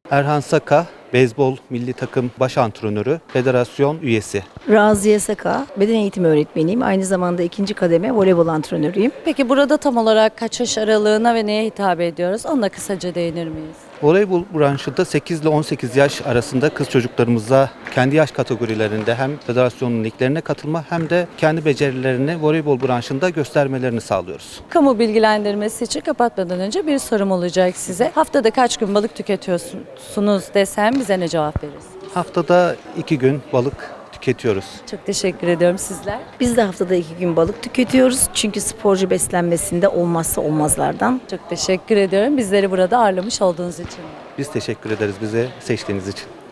Erhan Saka, beyzbol milli takım baş antrenörü, federasyon üyesi. Raziye Saka, beden eğitimi öğretmeniyim. Aynı zamanda ikinci kademe voleybol antrenörüyüm. Peki burada tam olarak kaç yaş aralığına ve neye hitap ediyoruz? Ona kısaca değinir miyiz? Voleybol branşında 8 ile 18 yaş arasında kız çocuklarımıza kendi yaş kategorilerinde hem federasyonun liglerine katılma hem de kendi becerilerini voleybol branşında göstermelerini sağlıyoruz. Kamu bilgilendirmesi için kapatmadan önce bir sorum olacak size. Haftada kaç gün balık tüketiyorsunuz desem bize ne cevap verirsiniz? Haftada 2 gün balık tüketiyoruz. Çok teşekkür ediyorum sizler. Biz de haftada 2 gün balık tüketiyoruz. Çünkü sporcu beslenmesinde olmazsa olmazlardan. Çok teşekkür ediyorum bizleri burada ağırlamış olduğunuz için. Biz teşekkür ederiz bize seçtiğiniz için.